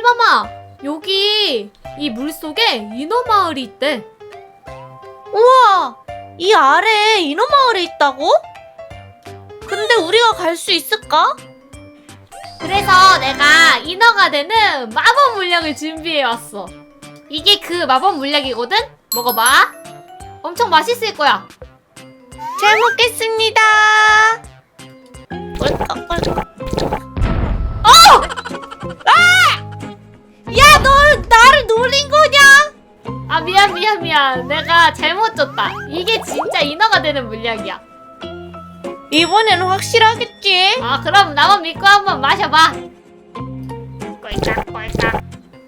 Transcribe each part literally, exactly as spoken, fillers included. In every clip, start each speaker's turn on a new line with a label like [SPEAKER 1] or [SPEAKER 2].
[SPEAKER 1] 꿀밤아, 여기 이 물속에 인어마을이 있대.
[SPEAKER 2] 우와! 이 아래에 인어마을이 있다고? 근데 우리가 갈 수 있을까?
[SPEAKER 1] 그래서 내가 인어가 되는 마법 물약을 준비해왔어. 이게 그 마법 물약이거든? 먹어봐. 엄청 맛있을 거야.
[SPEAKER 2] 잘 먹겠습니다. 꿀꺽꿀꺽. 어! 아! 야, 너 나를 놀린 거냐?
[SPEAKER 1] 아, 미안 미안 미안. 내가 잘못 줬다. 이게 진짜 인어가 되는 물약이야.
[SPEAKER 2] 이번에는 확실하겠지?
[SPEAKER 1] 아, 그럼 나만 믿고 한번 마셔봐. 꿀깍꿀깍.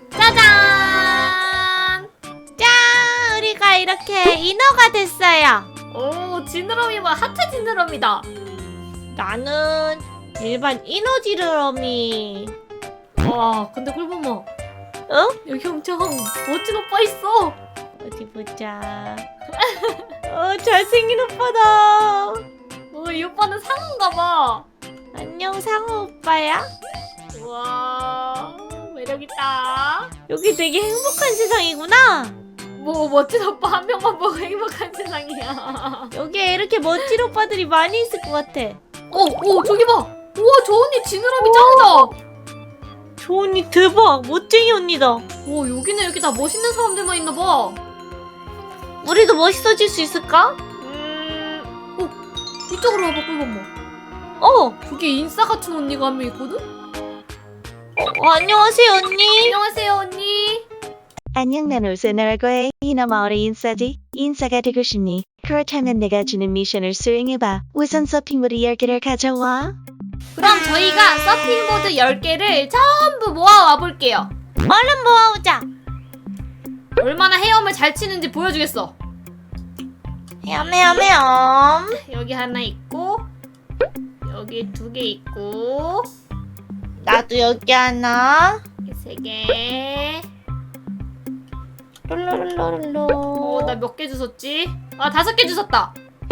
[SPEAKER 1] 짜잔!
[SPEAKER 2] 짠! 우리가 이렇게 인어가 됐어요.
[SPEAKER 1] 오, 지느러미와 하트 지느러미다.
[SPEAKER 2] 나는 일반 인어 지느러미.
[SPEAKER 1] 와, 근데 꿀밤아,
[SPEAKER 2] 어?
[SPEAKER 1] 여기 엄청 멋진 오빠 있어.
[SPEAKER 2] 어디 보자. 어, 잘생긴 오빠다.
[SPEAKER 1] 어, 이 오빠는 상어인가 봐.
[SPEAKER 2] 안녕, 상어 오빠야.
[SPEAKER 1] 우와, 매력있다.
[SPEAKER 2] 여기 되게 행복한 세상이구나.
[SPEAKER 1] 뭐 멋진 오빠 한 명만 보고 행복한 세상이야.
[SPEAKER 2] 여기에 이렇게 멋진 오빠들이 많이 있을 것 같아.
[SPEAKER 1] 어, 어, 저기 봐. 우와, 저 언니 지느러미 짱이다.
[SPEAKER 2] 저 언니 대박. 멋쟁이 언니다.
[SPEAKER 1] 오, 여기는 이렇게 다 멋있는 사람들만 있나 봐.
[SPEAKER 2] 우리도 멋있어질 수 있을까?
[SPEAKER 1] 음, 어, 이쪽으로 와봐, 꿀밤아.
[SPEAKER 2] 어.
[SPEAKER 1] 저기 인싸 같은 언니가 한 명 있거든?
[SPEAKER 2] 어, 안녕하세요 언니.
[SPEAKER 1] 안녕하세요, 언니.
[SPEAKER 3] 안녕, 난 우선 알고의 인어마을의 인싸지. 인싸가 되고 싶니? 그렇다면 내가 주는 미션을 수행해봐. 우선 서핑보드 열 개를 가져와.
[SPEAKER 1] 그럼 저희가 서핑보드 열 개를 전부 모아와 볼게요.
[SPEAKER 2] 얼른 모아오자.
[SPEAKER 1] 얼마나 헤엄을 잘 치는지 보여주겠어.
[SPEAKER 2] 헤엄헤엄헤엄.
[SPEAKER 1] 여기 하나 있고, 여기 두 개 있고,
[SPEAKER 2] 나도 여기 하나.
[SPEAKER 1] 여기 세 개.
[SPEAKER 2] 롤롤롤롤.
[SPEAKER 1] 어, 나 몇 개 주웠지? 아, 다섯 개 주웠다.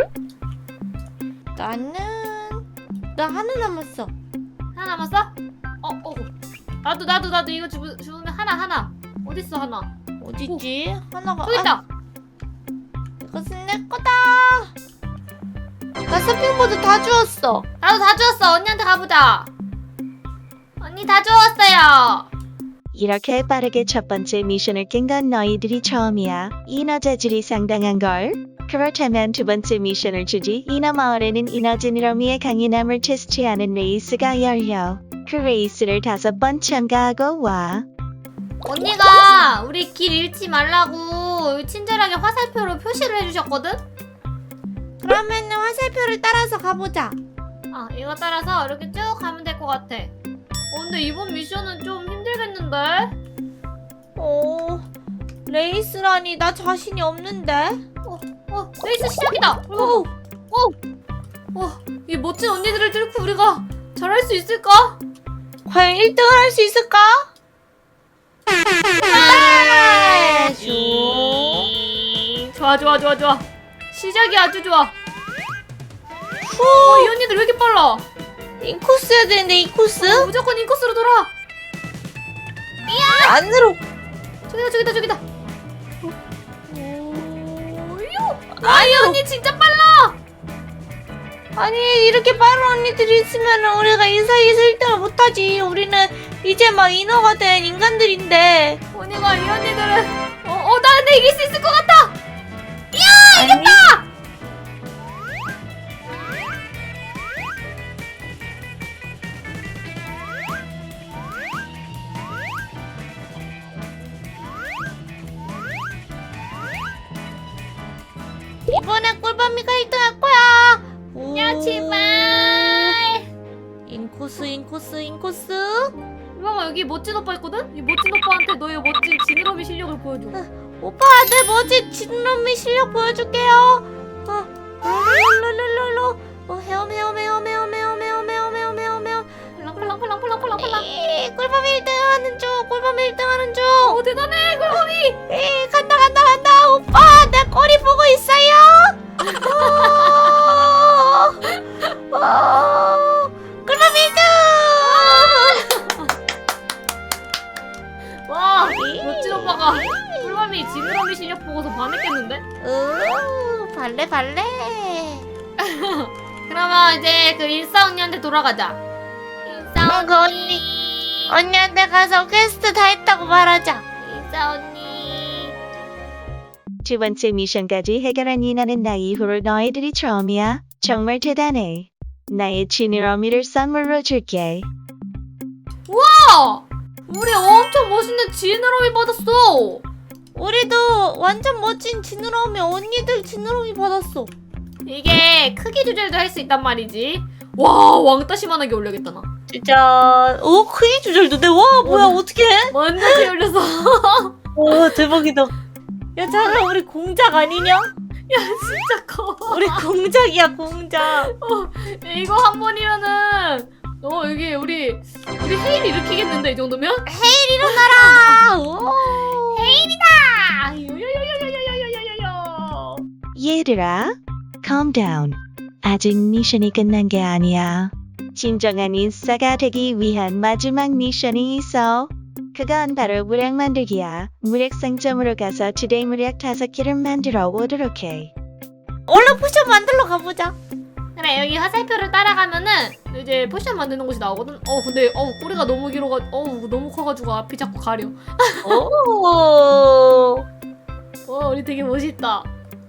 [SPEAKER 2] 나는 나 하나 남았어.
[SPEAKER 1] 하나 남았어? 어, 어. 나도, 나도, 나도 이거 주, 주우면 하나, 하나. 어딨어, 하나?
[SPEAKER 2] 어디지? 하나가.
[SPEAKER 1] 저기 있다.
[SPEAKER 2] 아, 이것은 내 거다. 나 서핑보드 다 주웠어.
[SPEAKER 1] 나도 다 주웠어. 언니한테 가보자. 언니 다 주웠어요.
[SPEAKER 3] 이렇게 빠르게 첫 번째 미션을 깬 건 너희들이 처음이야. 인어 재질이 상당한걸? 그렇다면 두 번째 미션을 주지. 인어마을에는 인어 지느러미의 강인함을 테스트하는 레이스가 열려. 그 레이스를 다섯 번 참가하고 와.
[SPEAKER 1] 언니가 우리 길 잃지 말라고 친절하게 화살표로 표시를 해주셨거든?
[SPEAKER 2] 그러면은 화살표를 따라서 가보자.
[SPEAKER 1] 아, 이거 따라서 이렇게 쭉 가면 될 것 같아. 어, 근데 이번 미션은 좀 힘들겠는데?
[SPEAKER 2] 오, 레이스라니 나 자신이 없는데.
[SPEAKER 1] 어, 어, 레이스 시작이다!
[SPEAKER 2] 오,
[SPEAKER 1] 오! 어, 이 멋진 언니들을 뚫고 우리가 잘할 수 있을까?
[SPEAKER 2] 과연 일 등을 할 수 있을까? 아, 슈.
[SPEAKER 1] 좋아, 좋아, 좋아, 좋아. 시작이 아주 좋아.
[SPEAKER 2] 후,
[SPEAKER 1] 어, 이 언니들 왜 이렇게 빨라?
[SPEAKER 2] 인코스여야 되는데 인코스?
[SPEAKER 1] 어, 무조건 인코스로 돌아.
[SPEAKER 2] 안으로.
[SPEAKER 1] 저기다, 저기다, 저기다. 오유. 아, 이 언니 진짜 빨라.
[SPEAKER 2] 아니 이렇게 빠른 언니들이 있으면 우리가 이 사이에서 일 등을 못하지. 우리는 이제 막 인어가 된 인간들인데.
[SPEAKER 1] 언니가 이 언니들은 어, 어, 나 근데 이길 수 있을 것 같아.
[SPEAKER 2] 이야 이겼다. 이번에 꿀밤이가 일 등 할 거야.
[SPEAKER 1] 야, 제발.
[SPEAKER 2] 인코스 인코스 인코스.
[SPEAKER 1] 이봐봐, 여기 멋진 오빠 있거든? 이 멋진 오빠한테 너의 멋진 지느러미 실력을 보여줘.
[SPEAKER 2] 오빠 내 멋진 지느러미 실력 보여줄게요. 어, 롤롤롤롤롤. 어, 헤엄 헤엄 헤엄 헤엄 헤엄 헤엄 헤엄 헤엄 헤엄 헤엄.
[SPEAKER 1] 팔랑팔랑팔랑팔랑팔랑팔랑.
[SPEAKER 2] 에이, 꿀밤이 일 등 하는 중. 꿀밤이 일 등 하는 중.
[SPEAKER 1] 오, 대단해, 꿀밤이.
[SPEAKER 2] 에이, 간다 간다 간다. 오빠 내 꼬리 보고 있어요. 오, 오, 꿀밤이 일 등.
[SPEAKER 1] 이제 그 일사 언니한테 돌아가자. 일사
[SPEAKER 2] 응, 그
[SPEAKER 1] 언니.
[SPEAKER 2] 언니한테 가서 퀘스트 다 했다고 말하자.
[SPEAKER 1] 일사 언니.
[SPEAKER 3] 두 번째 미션까지 해결한 이나는 나 이후로 너희들이 처음이야. 정말 대단해. 나의 지느러미를 선물로 줄게.
[SPEAKER 1] 와! 우리 엄청 멋있는 지느러미 받았어.
[SPEAKER 2] 우리도 완전 멋진 지느러미 언니들 지느러미 받았어.
[SPEAKER 1] 이게 크기 조절도 할 수 있단 말이지. 와, 왕따시만하게 올려야겠다 나.
[SPEAKER 2] 진짜 오 크기 조절도 돼. 와 뭐야
[SPEAKER 1] 어.
[SPEAKER 2] 어떻게 해?
[SPEAKER 1] 완전 크게 올렸어.
[SPEAKER 2] 와 대박이다. 야 잠깐 우리 공작 아니냐?
[SPEAKER 1] 야, 진짜 커.
[SPEAKER 2] 우리 공작이야 공작.
[SPEAKER 1] 이거 한 번이면은 어 여기 우리 우리 헤일 일으키겠는데 이 정도면?
[SPEAKER 2] 일어나라. 오.
[SPEAKER 1] 아, 요요요요요요요요요.
[SPEAKER 3] 얘들아, calm down. 아직 미션이 끝난 게 아니야. 진정한 인싸가 되기 위한 마지막 미션이 있어. 그건 바로 무력 만들기야. 무력 상점으로 가서 투데이 무력 다섯 개를 만들어 오도록 해.
[SPEAKER 2] 얼른 포션 만들러 가보자.
[SPEAKER 1] 그래, 여기 화살표를 따라가면은 이제 포션 만드는 곳이 나오거든. 어 근데 어 꼬리가 너무 길어가 어 너무 커가지고 앞이 자꾸 가려.
[SPEAKER 2] 오.
[SPEAKER 1] 어 우리 되게 멋있다.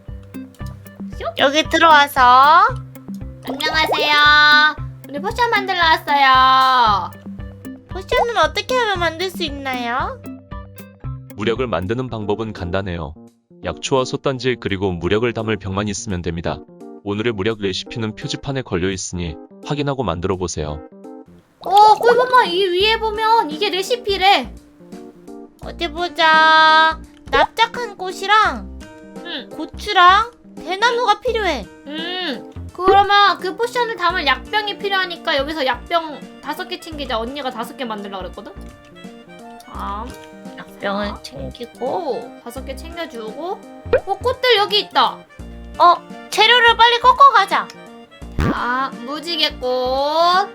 [SPEAKER 2] 여기 들어와서
[SPEAKER 1] 안녕하세요. 우리 포션 만들러 왔어요.
[SPEAKER 2] 포션은 어떻게 하면 만들 수 있나요?
[SPEAKER 4] 무력을 만드는 방법은 간단해요. 약초와 솥단지 그리고 무력을 담을 병만 있으면 됩니다. 오늘의 무력 레시피는 표지판에 걸려 있으니 확인하고 만들어 보세요.
[SPEAKER 1] 어 꿀밤아 이 위에 보면 이게 레시피래.
[SPEAKER 2] 어디 보자. 납작한 꽃이랑
[SPEAKER 1] 응.
[SPEAKER 2] 고추랑 대나무가 필요해.
[SPEAKER 1] 음 그러면 그 포션을 담을 약병이 필요하니까 여기서 약병 다섯 개 챙기자. 언니가 다섯 개 만들려고 그랬거든. 자,
[SPEAKER 2] 약병을 챙기고.
[SPEAKER 1] 오 다섯 개 챙겨주고. 어 꽃들 여기 있다.
[SPEAKER 2] 어 재료를 빨리 꺾어 가자.
[SPEAKER 1] 자 무지개꽃,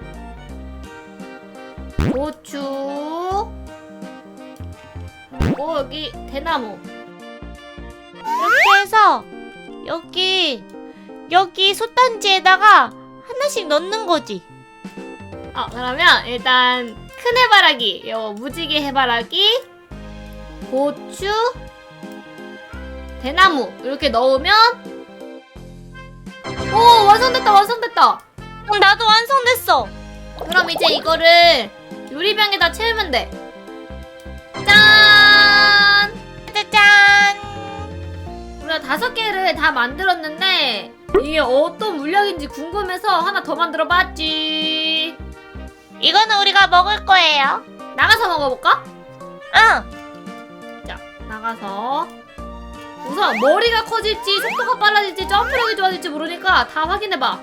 [SPEAKER 1] 고추, 그리고 여기 대나무.
[SPEAKER 2] 이렇게 해서 여기 여기 솥단지에다가 하나씩 넣는 거지.
[SPEAKER 1] 어 그러면 일단 큰 해바라기, 요 무지개 해바라기, 고추, 대나무 이렇게 넣으면 오 완성됐다 완성됐다.
[SPEAKER 2] 어, 나도 완성됐어.
[SPEAKER 1] 그럼 이제 이거를 유리병에다 채우면 돼. 짠!
[SPEAKER 2] 짜잔.
[SPEAKER 1] 우리가 다섯 개를 다 만들었는데 이게 어떤 물량인지 궁금해서 하나 더 만들어 봤지.
[SPEAKER 2] 이거는 우리가 먹을 거예요.
[SPEAKER 1] 나가서 먹어볼까?
[SPEAKER 2] 응.
[SPEAKER 1] 자, 나가서 우선 머리가 커질지 속도가 빨라질지 점프력이 좋아질지 모르니까 다 확인해봐.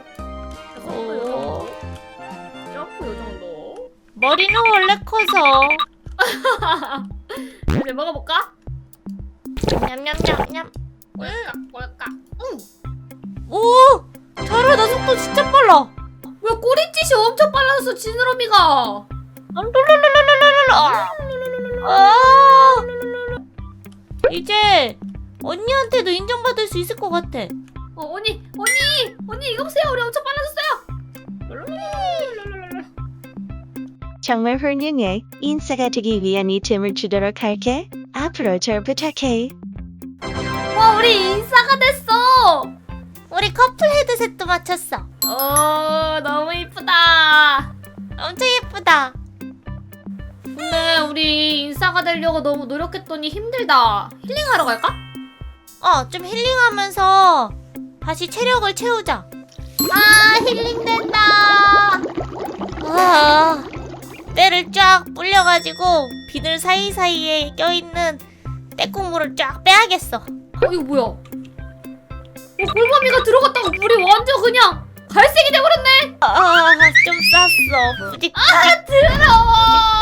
[SPEAKER 2] 오.
[SPEAKER 1] 점프 요정도.
[SPEAKER 2] 머리는 원래 커서.
[SPEAKER 1] 이제 먹어볼까?
[SPEAKER 2] 냠냠냠냠.
[SPEAKER 1] 꼴까 꼴까. 응.
[SPEAKER 2] 오! 잘하다. 속도 진짜 빨라.
[SPEAKER 1] 왜 꼬리짓이 엄청 빨라졌어 지느러미가.
[SPEAKER 2] 아! 이제 언니한테도 인정받을 수 있을 것 같아.
[SPEAKER 1] 어 언니 언니 언니 이거 보세요. 우리 엄청 빨라졌어요.
[SPEAKER 3] 정말 훌륭해. 인싸가 되기 위한 이템을 주도록 할게. 앞으로 절 부탁해.
[SPEAKER 1] 와 우리 인싸가 됐어.
[SPEAKER 2] 우리 커플 헤드셋도 맞췄어.
[SPEAKER 1] 어 너무 이쁘다.
[SPEAKER 2] 엄청 예쁘다.
[SPEAKER 1] 근데 우리 인싸가 되려고 너무 노력했더니 힘들다. 힐링하러 갈까?
[SPEAKER 2] 어, 좀 힐링하면서 다시 체력을 채우자.
[SPEAKER 1] 아 힐링된다.
[SPEAKER 2] 아, 때를 쫙 불려가지고 비늘 사이사이에 껴있는 때국물을 쫙 빼야겠어.
[SPEAKER 1] 어 이거 뭐야? 어 골밤이가 들어갔다가 물이 완전 그냥 갈색이 돼버렸네.
[SPEAKER 2] 아, 좀 쌌어. 뿌직.
[SPEAKER 1] 아 더러워.